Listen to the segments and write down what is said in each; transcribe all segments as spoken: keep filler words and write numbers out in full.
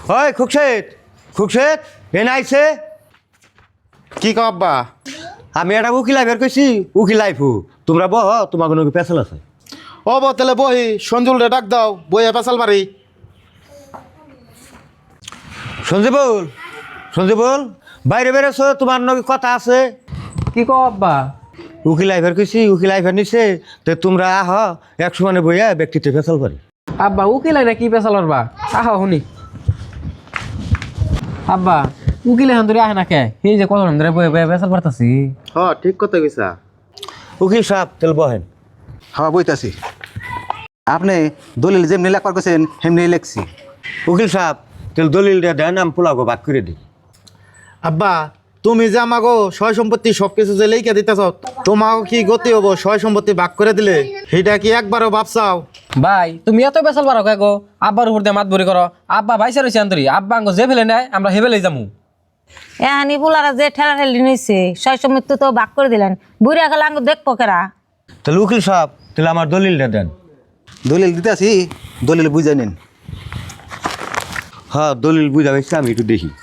ওই খুকশেদ খুকশেদ এনে আইছে কি কও আব্বা? আমি একটা উকিল আইফের কইছি উকিল আইফু তোমরা বহ তোমার কোনো পেছাল আছে। ও বো তাহলে বহি সঞ্জুল রে ডাক দাও বইয়া পেশাল মারি। সঞ্জীবুল সঞ্জীবুল বাইরে বেরোছো তোমার নগে কথা আছে। কি কও আব্বা? উকিল আইফের কইছি উকিল আইফের নিছে তো তোমরা আহ এক সমানে বইয়া ব্যক্তিতে পেছাল পারি। আব্বা উকিল আইনা কি পেশালর বা আহা শুনি আব্বা উকিল এখন ধরে আহে না কে এই যে কত ধরে বয়ে বয়ে পেশাল পারতাছি। হ ঠিক কথা কইছা। উকিল সাহেব তেল বহেন। হ্যাঁ বইতাছি। আপনি দলিল যেমনি লেখবার করছেন সেমনি লেখছি। উকিল সাহেব তেল দলিল দিয়ে দেন আমি পোলাগো বাদ করে দিই। আব্বা তুমি যে আমাগো সয় সম্পত্তি সবকিছু যে লেখা দিতেছ তোমাকে কি গতি হবো সয় সম্পত্তি ভাগ করে দিলে সেটা কি একবারও ভাবছাও? ভাই তুমি এত পেশাল পারো কে গো? আব্বার উপর দিয়ে মাত বরি করো। আব্বা ভাইসা রয়েছে আন্তরি আব্বা আঙ্গ যে ফেলে নেয় আমরা হেবেলে যামু। এহানি বুলারা যে ঠেলা ঠেলি নিয়েছে ছয় মৃত্যু তো ভাগ করে দিলেন বুড়িয়া গেলে আঙ্গ দেখবো কেরা। তাহলে উকিল সাহেব তাহলে আমার দলিলটা দেন। দলিল দিতেছি দলিল বুঝে নিন। হ্যাঁ দলিল বুঝা পাইছি আমি একটু দেখি।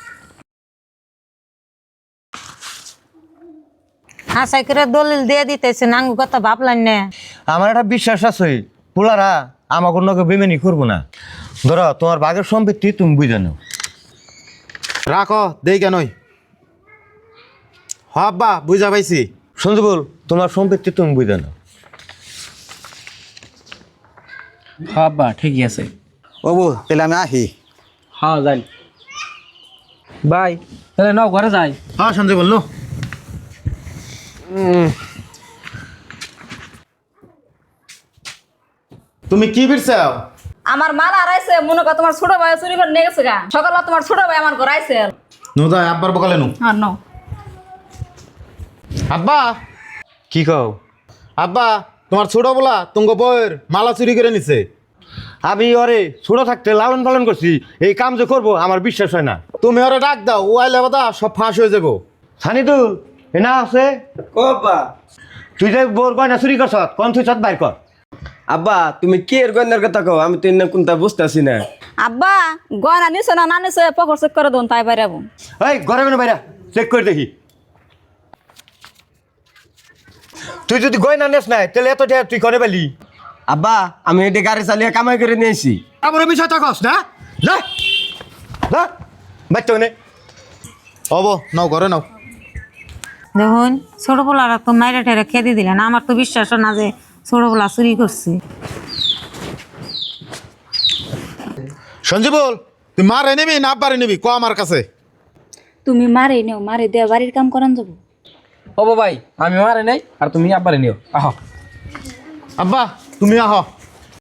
হাসাই করে দলিল দিয়ে দিতেছে আঙ্গু কথা ভাবলেন না। আমার একটা বিশ্বাস আছে পোলারা আমার কোনো বেমেনি করবো না। ধরো তোমার বাঘের সম্পত্তি তুমি বুঝে নাও। রাখো দেই কেনই। হ আব্বা বুঝা পাইছি। সঞ্জীবুল তোমার সম্পত্তি তুমি বুঝে নাও। হ্যাঁ আব্বা ঠিকই আছে। ও বউ তাহলে আমি আহি। হ্যাঁ যাই ভাই তাহলে নাও ঘরে যাই। হ্যাঁ সঞ্জয় বললো তুমি কি বিরছাও? আমার মাল হারাইছে মনে কর তোমার ছোট ভাই চুরি করে নিয়ে গেছে গা সকালে তোমার ছোট ভাই আমার ঘর আইছে। নু যাই আব্বার বকালে নু। আর নাও আব্বা কি কও? আব্বা তোমার ছোট বলা তুঙ্গ বইয়ের মালা চুরি করে নিছে। আমি ওরে ছোট থাকতে লালন পালন করছি এই কাম যে করবো আমার বিশ্বাস হয় না। তুমি ওরে ডাক দাও ও আইলে বাদা সব ফাঁস হয়ে যাবো। সানিদুল এনা আছে আব্বা তুই যে বোর গয়না চুরি করছ কোন তুই চত বাইর কর। আব্বা তুমি কি এর গয়নার কথা কও আমি তো ইন্না কোনটা বুঝতেছি না। আব্বা গয়না নিছো না না নিছো পকর চেক করে দোন তাই বাইরে যাবো। এই ঘরে কোনো বাইরা চেক করে দেখি। তুই যদি গয়না নেস নাই তাহলে এত টাকা তুই করে পেলি। আব্বা আমি এটা গাড়ি চালিয়ে কামাই করে নিয়েছি। আমার বিষয় থাকস না না না বাচ্চা মানে হব নাও ঘরে নাও। দেখুন ছোট পোলারা তো মাইরা ঠেরা খেতে দিলেন আমার তো বিশ্বাস না যে ছোট পোলা চুরি করছে। সঞ্জীবুল তুই মারে নিবি না আব্বারে নিবি ক আমার কাছে। তুমি মারে নিও মারে দেয়া বাড়ির কাম করান যাবো। হবো ভাই আমি মারে নেই আর তুমি আব্বারে নিও আহ। আব্বা তুমি আহ